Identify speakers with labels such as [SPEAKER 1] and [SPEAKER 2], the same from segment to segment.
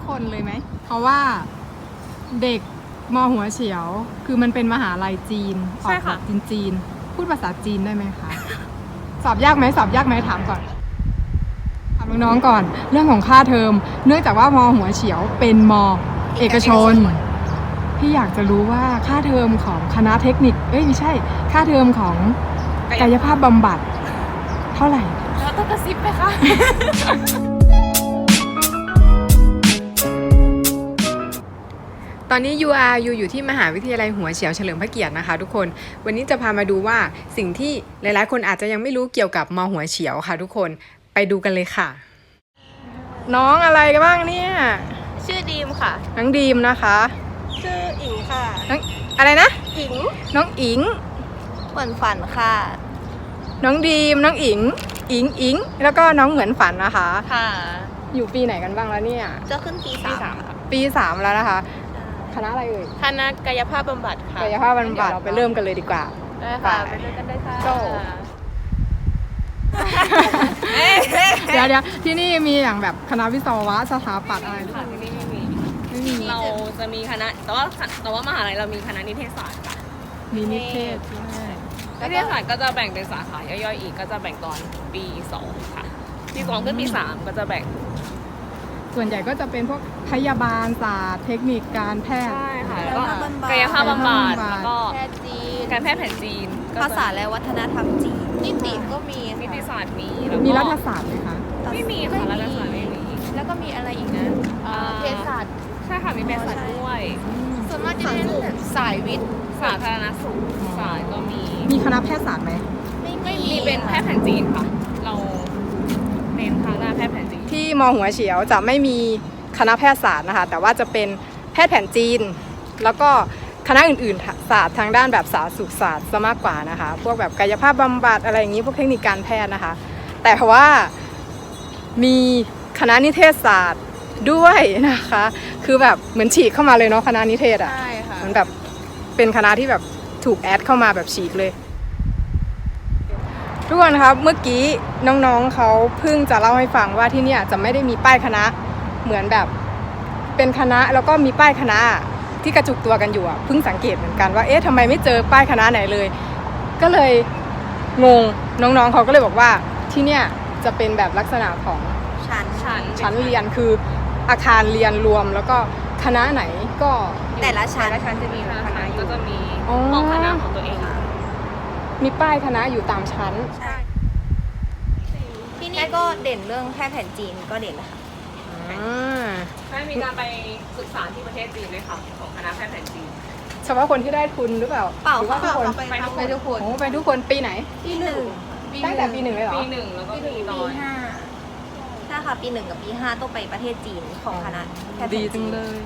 [SPEAKER 1] คนเลยไหมเพราะว่าเด็กมหัวเฉียวคือมันเป็นมหาลัยจีนออกแบบจีนพูดภาษาจีนได้ไหมคะ สอบยากไหมถามก่อนถามน้องๆก่อนเรื่องของค่าเทอมเนื่องจากว่ามหัวเฉียวเป็นมเอกชนพี่อยากจะรู้ว่าค่าเทอมของคณะเทคนิคไม่ใช่ค่าเทอมของกายภาพบำบัดเท่าไหร่
[SPEAKER 2] เราต้องกระซิบไหมคะ
[SPEAKER 1] ตอนนี้อยู่ที่มหาวิทยาลัยหัวเฉียวเฉลิมพระเกียรตินะคะทุกคนวันนี้จะพามาดูว่าสิ่งที่หลายๆคนอาจจะยังไม่รู้เกี่ยวกับมหัวเฉียวค่ะทุกคนไปดูกันเลยค่ะน้องอะไรกันบ้างเนี่ย
[SPEAKER 2] ชื่อดีมค่ะ
[SPEAKER 1] น้องดีมนะคะ
[SPEAKER 2] ชื่ออิงค่ะ
[SPEAKER 1] น้องอะไรนะ
[SPEAKER 2] อิง
[SPEAKER 1] น้องอิง
[SPEAKER 2] เหมือนฝันค่ะ
[SPEAKER 1] น้องดีมน้องอิงแล้วก็น้องเหมือนฝันนะคะ
[SPEAKER 2] ค่ะ
[SPEAKER 1] อยู่ปีไหนกันบ้างแล้วเนี่ย
[SPEAKER 2] จะขึ้นปี 3ค่ะ
[SPEAKER 1] ปี 3แล้วนะคะคณะอะไรเอ่ย
[SPEAKER 2] คณะกายภาพบำบัดค่ะ
[SPEAKER 1] กายภาพบำบัดเราไปเริ่มกันเลยดีกว่า
[SPEAKER 2] ได้ค่ะไปเริ่มกันได้ค่ะ
[SPEAKER 1] เดี๋ยวที่นี่มีอย่างแบบคณะวิศวะสถาปัตย์อะไร
[SPEAKER 2] ค่ะที่นี่ไม่มีเราจะมีคณะแต่ว่ามหาลัยเรามีคณะนิเทศศาสตร์ค่ะ
[SPEAKER 1] มีนิเทศ
[SPEAKER 2] นิเทศศาสตร์ก็จะแบ่งเป็นสาขาย่อยๆอีกก็จะแบ่งตอนปี 2ค่ะปี 2ขึ้นปี 3ก็จะแบ่ง
[SPEAKER 1] ส่วนใหญ่ก็จะเป็นพวกพยาบาลศาสตร์เทคนิคการแพทย์
[SPEAKER 2] ใช่ค่ะแล้วก็กายภาพบำบัดแล้วก็แพทย์จีนการแพทย์แผนจีน
[SPEAKER 3] ภาษาและวัฒนธรรมจีน
[SPEAKER 2] นิติก็มีนิติศาสตร์
[SPEAKER 1] มีรัฐศาสตร์ไหมคะ
[SPEAKER 2] ไม่มีค่ะรัฐศาสตร์ไม่มี
[SPEAKER 3] แล้วก็มีอะไรอีกนะเภสัช
[SPEAKER 2] ใช่ค่ะมีเภสัชด้วย
[SPEAKER 3] ส่วนมากจะเรียนสายวิทย์
[SPEAKER 2] สาธารณสุขศาสตร์ก็
[SPEAKER 1] มีคณะแพทยศาสตร์ไหม
[SPEAKER 2] ไม่มีเป็นแพทย์แผนจีนค่ะเราเน้นทางด้านแพทย์แผนจีน
[SPEAKER 1] ที่มหัวเฉียวจะไม่มีคณะแพทยศาสตร์นะคะแต่ว่าจะเป็นแพทย์แผนจีนแล้วก็คณะอื่นๆศาสตร์ทางด้านแบบสาธารณสุขศาสตร์ซะมากกว่านะคะพวกแบบกายภาพบำบัดอะไรอย่างนี้พวกเทคนิคการแพทย์นะคะแต่ว่ามีคณะนิเทศศาสตร์ด้วยนะคะคือแบบเหมือนฉีกเข้ามาเลยเนาะคณะนิเทศอ่ะมันแบบเป็นคณะที่แบบถูกแอดเข้ามาแบบฉีกเลยทุกคนครับเมื่อกี้น้องๆเขาเพิ่งจะเล่าให้ฟังว่าที่เนี่ยจะไม่ได้มีป้ายคณะเหมือนแบบเป็นคณะแล้วก็มีป้ายคณะที่กระจุกตัวกันอยู่อ่ะเพิ่งสังเกตเหมือนกันว่าทำไมไม่เจอป้ายคณะไหนเลยก็เลยงงน้องๆเขาก็เลยบอกว่าที่เนี่ยจะเป็นแบบลักษณะของชั้นเรียนคืออาคารเรียนรวมแล้วก็คณะไหนก็
[SPEAKER 3] แต่ละชั้น
[SPEAKER 2] จะมีคณะก็จะมีห้องคณะของตัวเอง
[SPEAKER 1] มีป้ายคณะอยู่ตามชั้น
[SPEAKER 3] ใช่ที่นี่ก็เด่นเรื่องแพทย์แผนจีนก็เด่นนะคะ
[SPEAKER 2] ได้มีการไปศึกษาที่ประเทศจีนด้วยค่ะของคณะแพทย์แผนจีน
[SPEAKER 1] เฉพาะคนที่ได้ทุนหรือเปล่า
[SPEAKER 3] เปล่า
[SPEAKER 1] ทุกคน
[SPEAKER 3] ไปทุกคน
[SPEAKER 1] ไปทุกคนปีไหน
[SPEAKER 3] ปี 1
[SPEAKER 1] ตั้งแต่ปี 1เลยเหรอ
[SPEAKER 2] ปี 1แล้วก็ปี
[SPEAKER 3] 5ใช่ค่ะปี 1กับปี 5ต้องไปประเทศจีนของคณะแพทย์แผนจีน
[SPEAKER 1] ดีจังเลย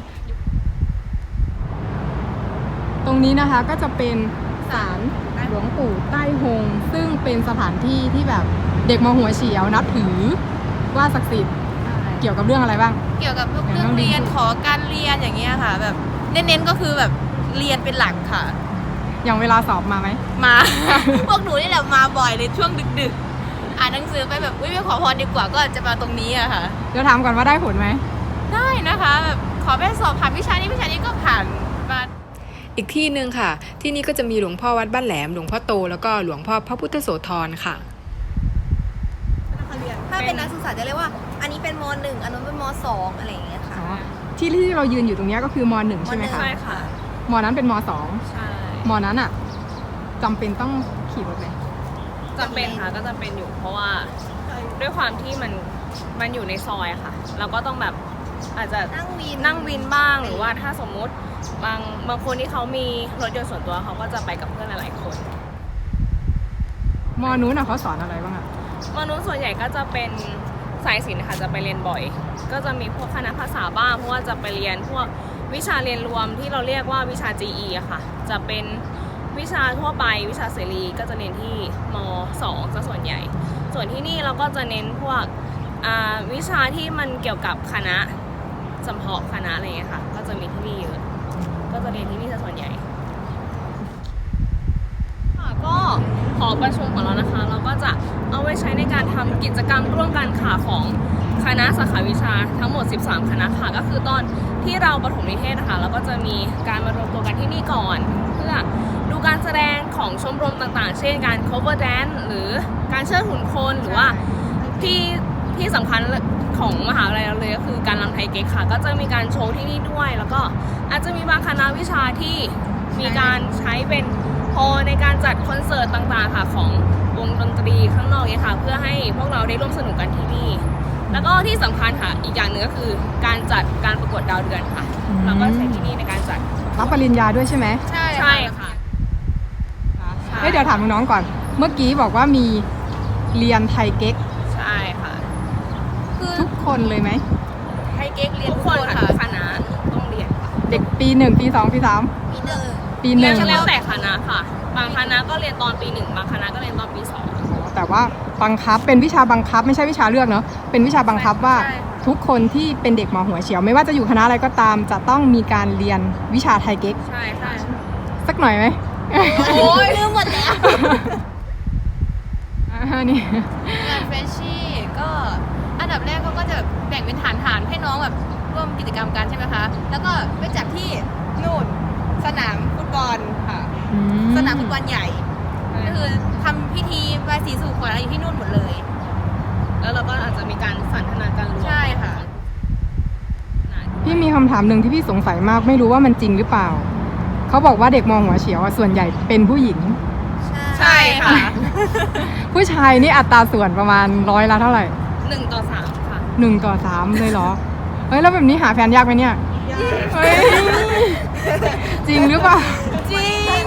[SPEAKER 1] ตรงนี้นะคะก็จะเป็นศาลหลวงปู่ใต้ฮงซึ่งเป็นสถานที่ที่แบบเด็กมหัวเฉียวนับถือว่าศักดิ์สิทธิ์เกี่ยวกับเรื่องอะไรบ้าง
[SPEAKER 3] เกี่ยวกับเรื่องเรียนขอการเรียนอย่างเงี้ยค่ะแบบเน้นๆก็คือแบบเรียนเป็นหลักค่ะ
[SPEAKER 1] อย่างเวลาสอบมาไหม
[SPEAKER 3] มา พวกหนูนี่แหละมาบ่อยเลยช่วงดึกๆอ่านหนังสือไปแบบไปขอพรดีกว่าก็จะมาตรงนี้อะค่ะ
[SPEAKER 1] เดี๋ยวถามก่อนว่าได้ผลไหม
[SPEAKER 3] ได้นะคะแบบขอไปสอบผ่านวิชานี้ก็ผ่านมา
[SPEAKER 1] อีกที่นึงค่ะที่นี่ก็จะมีหลวงพ่อวัดบ้านแหลมหลวงพ่อโตแล้วก็หลวงพ่อพระพุทธโสธรค่ะ
[SPEAKER 3] ถ้าเป็นนักศึกษาจะเรียกว่าอันนี้เป็นม.1 อันนั้นเป็นม.2 อะไรอย่างเงี้ยค่ะ
[SPEAKER 1] ที่เรายืนอยู่ตรงนี้ก็คือม.1 ใช่ไหมคะ
[SPEAKER 2] ใช่ค่ะ
[SPEAKER 1] ม.นั้นเป็นม
[SPEAKER 2] .2 ใช่
[SPEAKER 1] ม.นั้นอ่ะจำเป็นต้องขี่รถไหม
[SPEAKER 2] จำเป็นค่ะก็จำเป็นอยู่เพราะว่าด้วยความที่มันอยู่ในซอยอะค่ะเราก็ต้องแบบอาจจะนั่งวินบ้างหรือว่าถ้าสมมุติบางคนที่เขามีรถยนต์ส่วนตัวเขาก็จะไปกับเพื่อนหลายๆคน
[SPEAKER 1] ม.นู้นเขาสอนอะไรบ้างอะ
[SPEAKER 2] ม.นู้นส่วนใหญ่ก็จะเป็นสายศิลป์ค่ะจะไปเรียนบ่อยก็จะมีพวกคณะภาษาบ้างเพราะว่าจะไปเรียนพวกวิชาเรียนรวมที่เราเรียกว่าวิชา GE อะค่ะจะเป็นวิชาทั่วไปวิชาเสรีก็จะเรียนที่ม.2 ซะส่วนใหญ่ส่วนที่นี่เราก็จะเน้นพวกวิชาที่มันเกี่ยวกับคณะเฉพาะคณะอะไรอย่างเงี้ยค่ะก็จะมีที่นี่เยอะก็จะเรียนที่นี่ซะส่วนใหญ่ก็หอประชุมของเรานะคะเราก็จะเอาไว้ใช้ในการทำกิจกรรมร่วมกันค่ะของคณะสาขาวิชาทั้งหมด 13 คณะค่ะก็คือตอนที่เราประถมนิเทศนะคะเราก็จะมีการมารวมตัวกันที่นี่ก่อน เพื่อดูการแสดงของชมรมต่างๆ เช่นการ cover dance หรือการเชิดหุ่นโคนหรือว่าที่สำคัญของมหาวิทยาลัยเราเลยก็คือการรำไทยเก๊กค่ะก็จะมีการโชว์ที่นี่ด้วย แล้วก็อาจจะมีบางคณะวิชาที่มีการใช้เป็นฮอลล์ในการจัดคอนเสิร์ตต่างๆค่ะของวงดนตรีข้างนอกเนี่ยค่ะเพื่อให้พวกเราได้ร่วมสนุกกันที่นี่ แล้วก็ที่สำคัญค่ะอีกอย่างหนึ่งก็คือการจัดการประกวดดาวเดือนค่ะเราก็ใช้ที่นี่ในการจัด
[SPEAKER 1] รับปริญญาด้วยใช่ไหม
[SPEAKER 3] ใช่
[SPEAKER 2] ใช่ค่ะ ใช่
[SPEAKER 1] เฮ้ยเดี๋ยวถามน้องๆก่อน เมื่อกี้บอกว่ามีเรียนไทยเก๊ก
[SPEAKER 2] ใช่ค่ะ
[SPEAKER 3] คือ
[SPEAKER 1] ทุกคนเลยไหม
[SPEAKER 3] ไทยเก๊กเรียน
[SPEAKER 2] ทุ
[SPEAKER 3] ทุ
[SPEAKER 2] ก
[SPEAKER 3] ก
[SPEAKER 2] ค
[SPEAKER 3] คน น
[SPEAKER 2] ค่ะ
[SPEAKER 3] ค่ะ
[SPEAKER 2] ทุกคณะต้องเรียนค่ะ
[SPEAKER 1] เด็กปี 1 ปี 2 ปี 3
[SPEAKER 3] ปีหนึ่ง
[SPEAKER 1] ปีหนึ่ง
[SPEAKER 2] แล้วแต่คณะค่ะ บางคณะก็เรียนตอนปี 1 บางคณะก็เรียนตอนปี 2
[SPEAKER 1] แต่ว่าบังคับเป็นวิชาบังคับไม่ใช่วิชาเลือกเนาะเป็นวิชาบังคับว่า
[SPEAKER 2] ใช่
[SPEAKER 1] ทุกคนที่เป็นเด็กมหัวเฉียว ไม่ว่าจะอยู่คณะอะไรก็ตาม จะต้องมีการเรียนวิชาไทยเก๊ก
[SPEAKER 2] ใช่ค่ะ
[SPEAKER 1] สักหน่อยไหม
[SPEAKER 3] โอ้ยลืมหมดแล้ว
[SPEAKER 1] นี่
[SPEAKER 3] งานเฟรชชี่ก็อันดับแรกเขาก็จะแบ่งเป็นฐานให้น้องแบบร่วมกิจกรรมกันใช่ไหมคะ แล้วก็ไปจัดที่นู่นสนามฟุตบอลค่ะ สนามฟุตบอลใหญ่ ก็คือทำพิธีบายสีสู่ขวัญอะไรอยู่ที่นู่นหมดเลย
[SPEAKER 2] แล้วเราก็อาจจะมีการสันทนาการรวม
[SPEAKER 3] ใช่ค่ะ
[SPEAKER 1] พี่มีคำถามหนึ่งที่พี่สงสัยมากไม่รู้ว่ามันจริงหรือเปล่า เขาบอกว่าเด็กมหัวเฉียวอะส่วนใหญ่เป็นผู้หญิง
[SPEAKER 2] ใช่ค่ะ
[SPEAKER 1] ผู้ชายนี่อัตราส่วนประมาณร้อยละเท่าไหร่
[SPEAKER 2] 1:3 ค่ะ
[SPEAKER 1] 1:3เลยเหรอ เฮ้ยแล้วแบบนี้หาแฟนยากไหมเนี่ยเฮ้ยจริงหรือเปล่า
[SPEAKER 3] จริง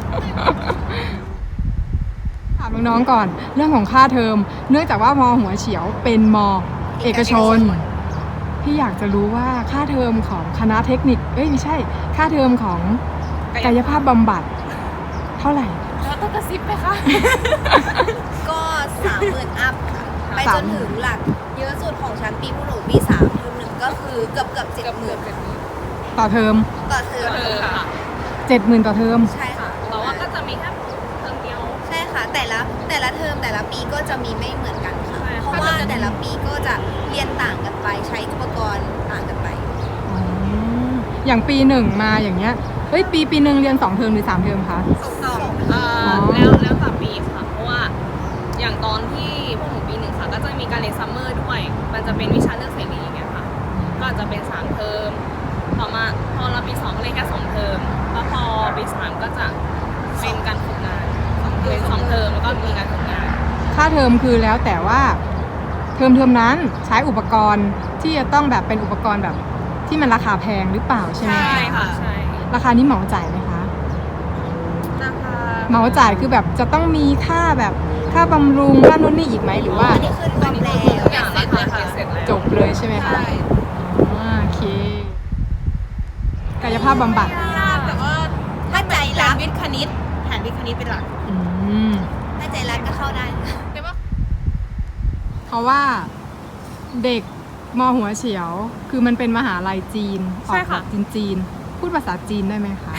[SPEAKER 1] ถามน้องๆก่อนเรื่องของค่าเทอม เนื่องจากว่ามหัวเฉียวเป็นมเอกชน พี่อยากจะรู้ว่าค่าเทอมของคณะเทคนิคไม่ใช่ ค่าเทอมของกายภาพบำบัดเท่าไหร่
[SPEAKER 3] แล้วต้องกระซิบไหมคะ
[SPEAKER 4] ก็30,000 อัพค่ะ ไปจนถึงหลักเยอะสุดของชั้นปีพวกหนูปี3เทอม1ก็คือเกือบ70,000
[SPEAKER 1] ต่อเทอม
[SPEAKER 4] ต่อเทอม
[SPEAKER 2] ค่ะ
[SPEAKER 1] 70,000 ต่อเทอม
[SPEAKER 4] ใช่ค่ะ
[SPEAKER 2] แต่ว่าก็จะมีแค่เทอมเดียว
[SPEAKER 4] ใช่ค่ะ แต่ละเทอมแต่ละปีก็จะมีไม่เหมือนกันค่ะ
[SPEAKER 2] ใช่
[SPEAKER 4] เพราะว่าแต่ละปีก็จะเรียนต่างกันไป ใช้อุปกรณ์ต่างกันไป
[SPEAKER 1] อย่างปีหนึ่งมาอย่างเงี้ย เฮ้ยปีหนึ่งเรียน2 เทอมหรือ 3 เทอมคะ
[SPEAKER 2] แล้วแต่ปีค่ะ เพราะว่าอย่างตอนที่พวกหนูปี 1 ค่ะ ก็จะมีการเรียนซัมเมอร์ด้วย มันจะเป็นวิชาเลือกเสรีอย่างเงี้ยค่ะ ก็อาจจะเป็น3 เทอม ต่อมาพอเราปี 2 ก็เรียนแค่2 เทอม แล้วพอปี 3 ก็จะเป็นการฝึกงานเรียน2 เทอมแล้วก็มีการฝึกงาน
[SPEAKER 1] ค่าเทอมคือแล้วแต่ว่าเทอมนั้นใช้อุปกรณ์ที่จะต้องแบบเป็นอุปกรณ์แบบที่มันราคาแพงหรือเปล่าใช่ไหม
[SPEAKER 2] ใช่ค่ะ ใช่
[SPEAKER 1] ราคานี้เหมาจ่ายไหมคะ
[SPEAKER 3] ราคา
[SPEAKER 1] เหมาจ่ายคือแบบจะต้องมีค่าแบบค่าบำรุงค่านู่นนี่อีกไหมหรือว่า
[SPEAKER 4] อันนี้คือรวมแล้ว
[SPEAKER 2] ทุกอย่างราคาเสร็จแล้ว
[SPEAKER 1] จบเลยใช่ไหมคะ
[SPEAKER 3] ใช่
[SPEAKER 1] โอเค กายภาพบำบัด
[SPEAKER 3] ยากแต่ว่า
[SPEAKER 4] ถ้าใจ
[SPEAKER 3] แผ
[SPEAKER 4] รั
[SPEAKER 3] น
[SPEAKER 4] ก
[SPEAKER 3] วิทย์คณิตแผนวิทย์คณิตเป็นหลัก
[SPEAKER 1] อืม
[SPEAKER 4] ถ้าใจรักก็เข้าได้
[SPEAKER 3] แต่ว่า
[SPEAKER 1] เพราะว่าเด็กมหัวเฉียว คือมันเป็นมหาลัยจีนอ
[SPEAKER 2] ใช่
[SPEAKER 1] อกแบ
[SPEAKER 2] ค่ะ
[SPEAKER 1] บจีนๆพูดภาษาจีนได้ไหมคะ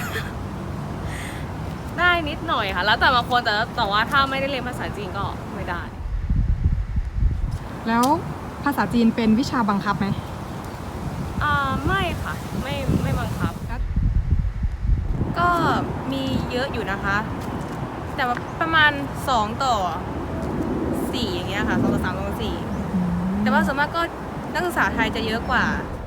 [SPEAKER 2] ได้นิดหน่อยค่ะ แล้วแต่บางคนแต่ว่าถ้าไม่ได้เรียนภาษาจีนก็ไม่ได้
[SPEAKER 1] แล้วภาษาจีนเป็นวิชาบังคับไหม
[SPEAKER 3] ไม่ค่ะ
[SPEAKER 2] ไม่บังคับ
[SPEAKER 3] ก็มีเยอะอยู่นะคะ แต่ว่าประมาณ2 ต่อ 4อย่างเงี้ยค่ะ2 ต่อ 3 2 ต่อ 4แต่ว่าส่วนมากก็นักศึกษาไทยจะเยอะกว่า